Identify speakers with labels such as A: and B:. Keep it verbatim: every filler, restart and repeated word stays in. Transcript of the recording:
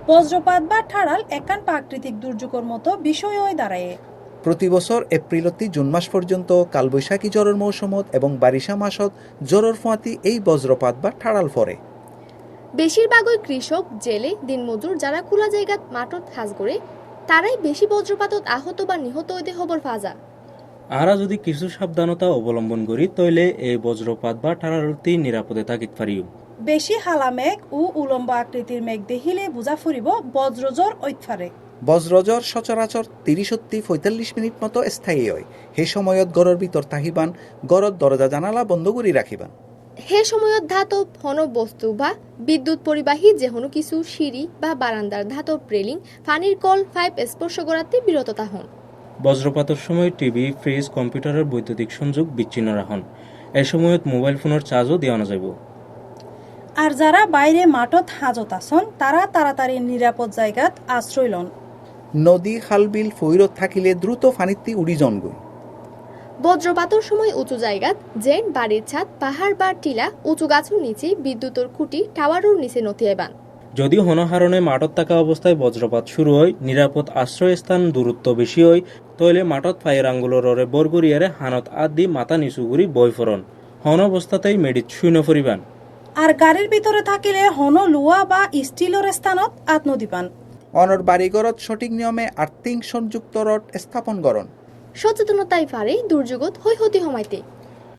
A: বজ্রপাত বা ঠাড়াল একান প্রাকৃতিক দুর্যোগের মতো বিষয় হয়ে দাঁড়ায়।
B: প্রতি বছর এপ্রিলতি জুন মাস পর্যন্ত কালবৈশাখী জ্বরের মৌসুমত এবং বারিশা মাসত জ্বরের ফোঁয়াতি এই বজ্রপাত বা ঠাড়াল পড়ে।
C: বেশিরভাগই কৃষক, জেলে, দিনমজুর যারা খোলা জায়গাত মাঠত হাজ করে তারাই বেশি বজ্রপাতত আহত বা নিহত হইতে হবর ফাজা।
D: আরা যদি কিছু সাবধানতা অবলম্বন করি তইলে এই বজ্রপাত বা ঠাড়ালতি নিরাপদে থাকিত পারিও।
A: বেশি হালা মেঘ ও উলম্ব আকৃতির মেঘ দেখিলে বুঝা ফুরিব বজ্রজ্বর ঐতফারে।
B: বজ্রজ্বর সচরাচর তিরিশত্তি পঁয়তাল্লিশ মিনিট মতো স্থায়ী হয়। সেই সময়ত গড়ের ভিতর তাহিবান, গড়ত দরজা জানালা বন্ধ করে রাখিবান।
C: হে সময়ত ধাতব ঘন বস্তু বা বিদ্যুৎ পরিবাহী যে কোনো কিছু সিঁড়ি বা বারান্দার ধাতব রেলিং, পানির কল পাইপ স্পর্শ করাতে বিরত থাকুন।
D: বজ্রপাতের সময় টিভি, ফ্রিজ, কম্পিউটারের বৈদ্যুতিক সংযোগ বিচ্ছিন্ন রাখুন। এই সময়ত মোবাইল ফোনের চার্জও দেওয়া যাব।
A: আর যারা বাইরে মাঠত হাজত আসন তারা তাড়াতাড়ি নিরাপদ জায়গাত আশ্রয় লন।
B: নদী, খালবিল, ফৈরত থাকিলে দ্রুত ফানিত্তি উড়ি জনগই।
C: বজ্রপাতের সময় উঁচু জায়গাত যেন বাড়ির ছাদ, পাহাড় বা টিলা, উঁচু গাছের নিচে, বিদ্যুতের খুঁটি, টাওয়ারের নিচে নথিয়েবান।
D: যদি হনহারণে মাঠত থাকা অবস্থায় বজ্রপাত শুরু হয়, নিরাপদ আশ্রয়স্থান দূরত্ব বেশি হয়, তইলে মাঠত ফায়ের আঙ্গুলরে বরগরিয়ারে হানত আদ দি মাথা নিচু করি বই ফরন। হন অবস্থাতেই মেডিত শূন্য ফরিবান।
A: আর গাড়ির ভিতরে থাকিলে হন লুয়া বা স্টিলের স্থানত আত্মদি পান।
B: অনর বাড়িঘরত সঠিক নিয়মে আর্থিং সংযুক্ত রড স্থাপন করণ।
C: সচেতনতাই পারে দুর্যোগত হৈহতি হমাইতে।